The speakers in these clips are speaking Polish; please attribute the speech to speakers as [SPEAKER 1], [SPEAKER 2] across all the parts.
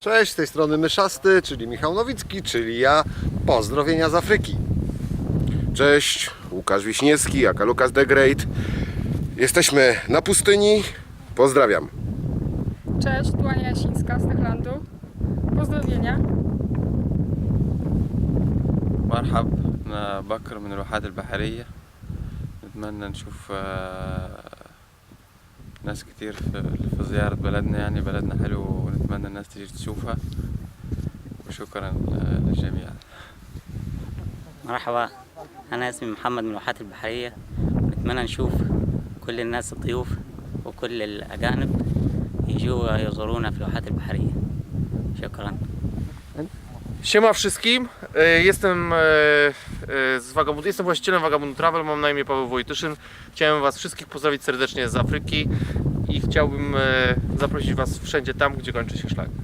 [SPEAKER 1] Cześć, z tej strony Myszasty, czyli Michał Nowicki, czyli ja. Pozdrowienia z Afryki. Cześć, Łukasz Wiśniewski, aka Lucas the Great. Jesteśmy na pustyni. Pozdrawiam.
[SPEAKER 2] Cześć, tu Ania Jasińska z Techlandu. Pozdrowienia.
[SPEAKER 3] مرحب أنا بكر من الواحات البحرية. نتمنى نشوف ناس كتير في زيارة بلدنا، يعني بلدنا حلو ونتمنى الناس تيجي تشوفها، وشكرا للجميع.
[SPEAKER 4] مرحبا، أنا اسمي محمد من الواحات البحرية، ونتمنى نشوف كل الناس الضيوف وكل الأجانب يجوا يزورونا في الواحات البحرية. شكرا.
[SPEAKER 5] Siema wszystkim, jestem właścicielem Vagabund Travel, mam na imię Paweł Wojtyszyn. Chciałem Was wszystkich pozdrowić serdecznie z Afryki i chciałbym zaprosić Was wszędzie tam, gdzie kończy się szlak.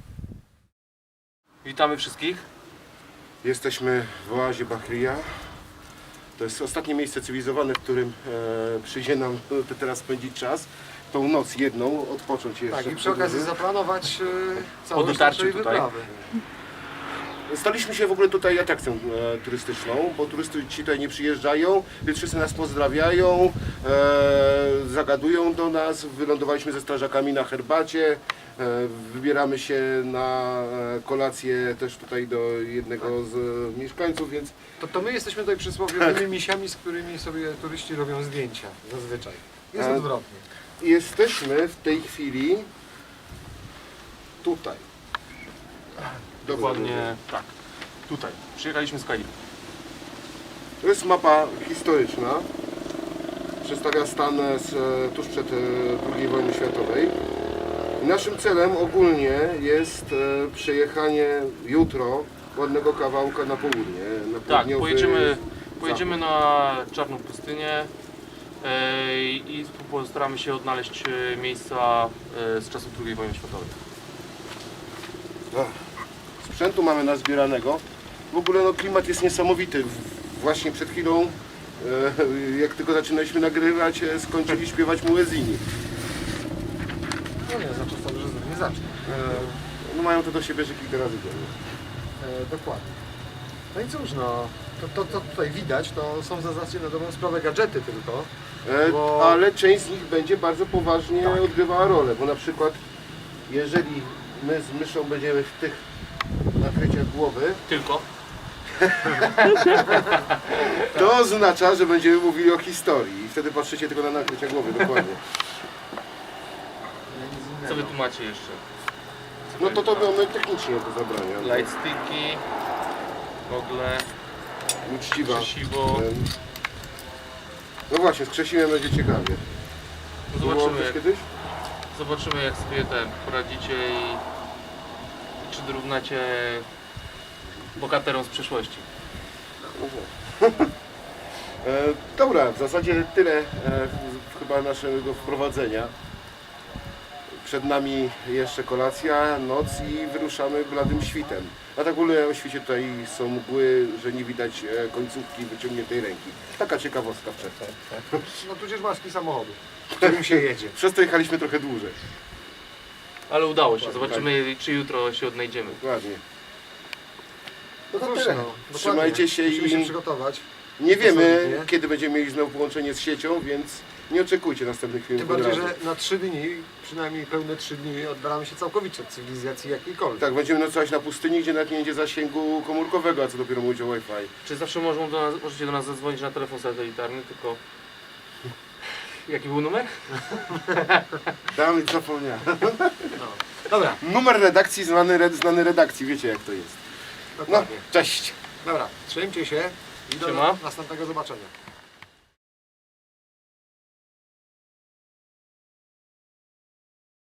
[SPEAKER 5] Witamy wszystkich.
[SPEAKER 1] Jesteśmy w oazie Bahria. To jest ostatnie miejsce cywilizowane, w którym przyjdzie nam teraz spędzić czas. Tą noc jedną, odpocząć jeszcze.
[SPEAKER 6] Tak, i przy okazji zaplanować całą
[SPEAKER 5] Po dotarciu
[SPEAKER 6] naszej
[SPEAKER 5] tutaj.
[SPEAKER 6] wyprawy.
[SPEAKER 1] Staliśmy się w ogóle tutaj atrakcją turystyczną, bo turyści tutaj nie przyjeżdżają, więc wszyscy nas pozdrawiają, zagadują do nas, wylądowaliśmy ze strażakami na herbacie, wybieramy się na kolację też tutaj do jednego z mieszkańców, więc
[SPEAKER 6] To my jesteśmy tutaj przysłowiowymi misiami, z którymi sobie turyści robią zdjęcia zazwyczaj. Jest odwrotnie.
[SPEAKER 1] jesteśmy w tej chwili tutaj.
[SPEAKER 5] Dokładnie tak. Tutaj. Przyjechaliśmy z Kairo.
[SPEAKER 1] To jest mapa historyczna. Przedstawia stan tuż przed II wojną światowej. I naszym celem ogólnie jest przejechanie jutro ładnego kawałka na południe. Na
[SPEAKER 5] Tak,
[SPEAKER 1] południowy
[SPEAKER 5] pojedziemy na czarną pustynię i postaramy się odnaleźć miejsca z czasów II wojny światowej.
[SPEAKER 1] Sprzętu mamy nazbieranego. W ogóle no, klimat jest niesamowity. Właśnie przed chwilą, jak tylko zaczynaliśmy nagrywać, skończyli śpiewać muezini.
[SPEAKER 6] No nie, za czasem, że nie zacznie.
[SPEAKER 1] No, mają to do siebie, że kilka razy dziennie.
[SPEAKER 6] Dokładnie. No i cóż, no, to tutaj widać, to są w zasadzie na dobrą sprawę gadżety tylko. Bo-
[SPEAKER 1] Ale część z nich będzie bardzo poważnie odgrywała rolę, bo na przykład jeżeli my z myszą będziemy w tych nakryciach głowy,
[SPEAKER 5] Tylko?
[SPEAKER 1] to oznacza, że będziemy mówili o historii i wtedy patrzycie tylko na nakrycia głowy, dokładnie.
[SPEAKER 5] Co wy tu macie jeszcze?
[SPEAKER 1] No to mamy technicznie do zabrania.
[SPEAKER 5] Lightsticki, gogle,
[SPEAKER 1] Uczciwa.
[SPEAKER 5] krzesiwo.
[SPEAKER 1] No właśnie, z krzesimy będzie ciekawie. Było
[SPEAKER 5] Zobaczymy
[SPEAKER 1] coś
[SPEAKER 5] jak,
[SPEAKER 1] kiedyś?
[SPEAKER 5] zobaczymy jak sobie poradzicie i czy dorównacie bohaterom z przeszłości.
[SPEAKER 1] Dobra, w zasadzie tyle chyba naszego wprowadzenia. Przed nami jeszcze kolacja, noc i wyruszamy bladym świtem. A tak w ogóle o świcie tutaj są mgły, że nie widać końcówki wyciągniętej ręki. Taka ciekawostka przedtem.
[SPEAKER 6] No tudzież maski samochodu, którym się jedzie.
[SPEAKER 1] Przez to jechaliśmy trochę dłużej.
[SPEAKER 5] Ale udało się, zobaczymy czy jutro się odnajdziemy.
[SPEAKER 1] Dokładnie. No to
[SPEAKER 6] Cóż,
[SPEAKER 1] tyle.
[SPEAKER 6] no, dokładnie.
[SPEAKER 1] Trzymajcie się
[SPEAKER 6] Musimy się
[SPEAKER 1] i
[SPEAKER 6] przygotować.
[SPEAKER 1] nie wiemy,
[SPEAKER 6] solidnie.
[SPEAKER 1] kiedy będziemy mieli znowu połączenie z siecią, więc nie oczekujcie następnych filmów.
[SPEAKER 6] Tym bardziej,
[SPEAKER 1] od razu.
[SPEAKER 6] że na 3 dni, przynajmniej pełne 3 dni, oddalamy się całkowicie od cywilizacji jakiejkolwiek.
[SPEAKER 1] Tak, będziemy nocować na pustyni, gdzie nawet nie będzie zasięgu komórkowego, a co dopiero mówić o Wi-Fi.
[SPEAKER 5] Czy zawsze możecie do nas zadzwonić na telefon satelitarny, tylko... Jaki był numer?
[SPEAKER 1] Dawid zapomniałem.
[SPEAKER 6] Dobra,
[SPEAKER 1] Numer redakcji znany redakcji, wiecie jak to jest. No,
[SPEAKER 6] dokładnie.
[SPEAKER 1] cześć!
[SPEAKER 6] Dobra, trzymajcie się i do
[SPEAKER 5] Siema.
[SPEAKER 6] następnego zobaczenia.